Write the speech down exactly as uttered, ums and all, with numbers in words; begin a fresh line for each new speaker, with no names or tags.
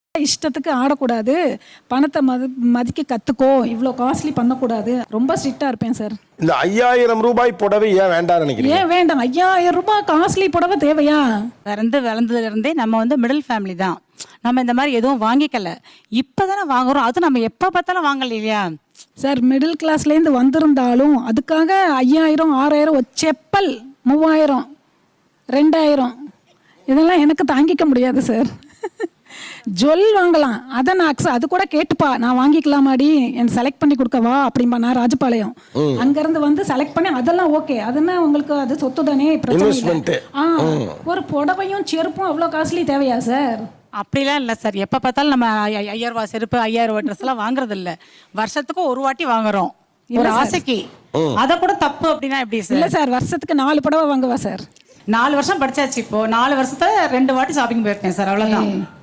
இஷ்டத்துக்கு ஆடக்கூடாது, பணத்தை மதி மதிக்க கற்றுக்கோ, இவ்வளோ காஸ்ட்லி பண்ணக்கூடாது, ரொம்ப ஸ்ட்ரிக்டாக இருப்பேன் சார்.
இந்த ஐயாயிரம் ரூபாய் புடவை ஏன் வேண்டாம்னு நினைக்கிறீங்க?
ஏன் வேண்டாம்? ஐயாயிரம் ரூபாய் காஸ்ட்லி புடவை தேவையா?
பிறந்து வளர்ந்ததுல இருந்தே நம்ம வந்து மிடில் ஃபேமிலி தான். நம்ம இந்த மாதிரி எதுவும் வாங்கிக்கல, இப்போதானே வாங்குறோம். அது நம்ம எப்போ பார்த்தாலும் வாங்கல இல்லையா
சார்? மிடில் கிளாஸ்லேருந்து வந்திருந்தாலும் அதுக்காக ஐயாயிரம் ஆறாயிரம் ஒரு செப்பல் மூவாயிரம் ரெண்டாயிரம் இதெல்லாம் எனக்கு தாங்கிக்க முடியாது சார். ஜுவல் வாங்கலாம், அதை நான் அக்ஸ அது கூட கேட்டுப்பா, நான் வாங்கிக்கலாமாடி, என் செலக்ட் பண்ணி கொடுக்கவா அப்படின்பா. நான் ராஜபாளையம் அங்கேருந்து வந்து செலக்ட் பண்ணி அதெல்லாம் ஓகே, அதுன்னா உங்களுக்கு அது சொத்து தானே, பிரச்சனை இல்லை. ஆ ஒரு புடவையும் செருப்பும் அவ்வளோ காஸ்ட்லி தேவையா சார்?
அப்படிலாம் இல்லை சார். எப்போ பார்த்தாலும் நம்ம ஐயாயிரம் ரூபாய் செருப்பு ஐயாயிரம் ரூபாய் ட்ரெஸ் எல்லாம் வாங்குறது இல்லை. வருஷத்துக்கு ஒரு வாட்டி வாங்குறோம் ஒரு ஆசைக்கு. அதை கூட தப்பு அப்படின்னா எப்படி சார்?
இல்லை சார், வருஷத்துக்கு நாலு புடவை வாங்குவா சார்.
நாலு வருஷம் படிச்சாச்சு, இப்போ நாலு வருஷத்துல ரெண்டு வாட்டி ஷாப்பிங் போயிருக்கேன் சார், அவ்வளோதான்.